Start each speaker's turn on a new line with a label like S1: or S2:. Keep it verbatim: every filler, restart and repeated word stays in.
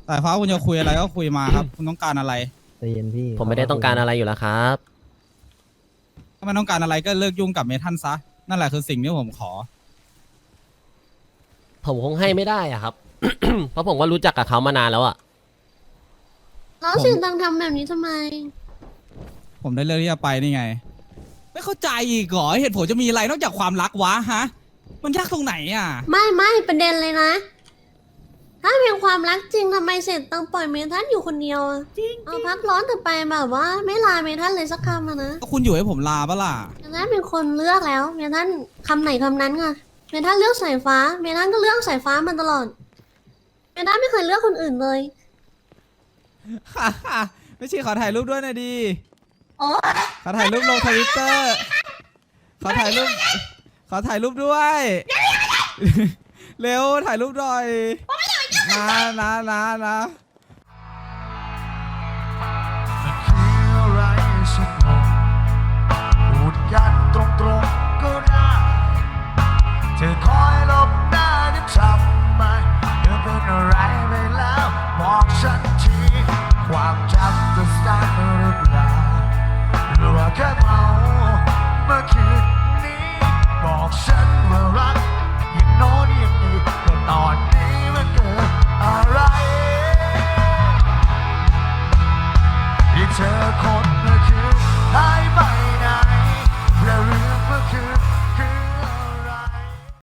S1: สายฟ้าคุณจะคุยอะไรก็คุยมาครับ คุณต้องการอะไร
S2: ใจเย็นพี่
S3: ผมไม่ได้ต้องการอะไรอยู่แล้วครับ
S1: ถ้าไม่ต้องการอะไรก็เลิกยุ่งกับเมทันซะนั่นแหละคือสิ่งที่ผมขอ
S3: ผมคงให้ไม่ได้อะครับ เพราะผมก็รู้จักกับเขามานานแล้วอะ
S4: แล้ว
S1: ผม
S4: เสียงดังทำแบบนี้ทำไม
S1: ผมได้เลือกที่จะไปนี่ไง ไม่เข้าใจอีกเหรอเหตุผลจะมีอะไรนอกจากความรักวะฮะ มันยากตรงไหนอ่ะ
S4: ไม่ไม่ประเด็นเลยนะ ถ้าเป็นความรักจริงทำไมเสร็จต้องปล่อยเมทันอยู่คนเดียวอะ
S1: จริง
S4: เอาพักร้อนแต่ไปแบบว่า ไม่ลาเมทันเลยสักคำอะนะ
S1: ก็คุณอยู่ให้ผมลาปะล่ะ
S4: เมทันเป็นคนเลือกแล้ว เมทันคำไหนคำนั้นไงเมทันเลือกสายฟ้า เมทันก็เลือกสายฟ้ามาตลอด เมทันไม่เคยเลือกคนอื่นเลย
S1: ไม่ใช่ขอถ่ายรูปด้วยหนะดี
S4: โอ้
S1: ขอถ่ายรูปลงทวิตเตอร์ ขอถ่ายรูป ขอถ่ายรูปด้วย เร็วถ่ายรูปหน่อยนะนะนะนะ
S5: มันคืออะไรสักหน่อยพูดกันตรง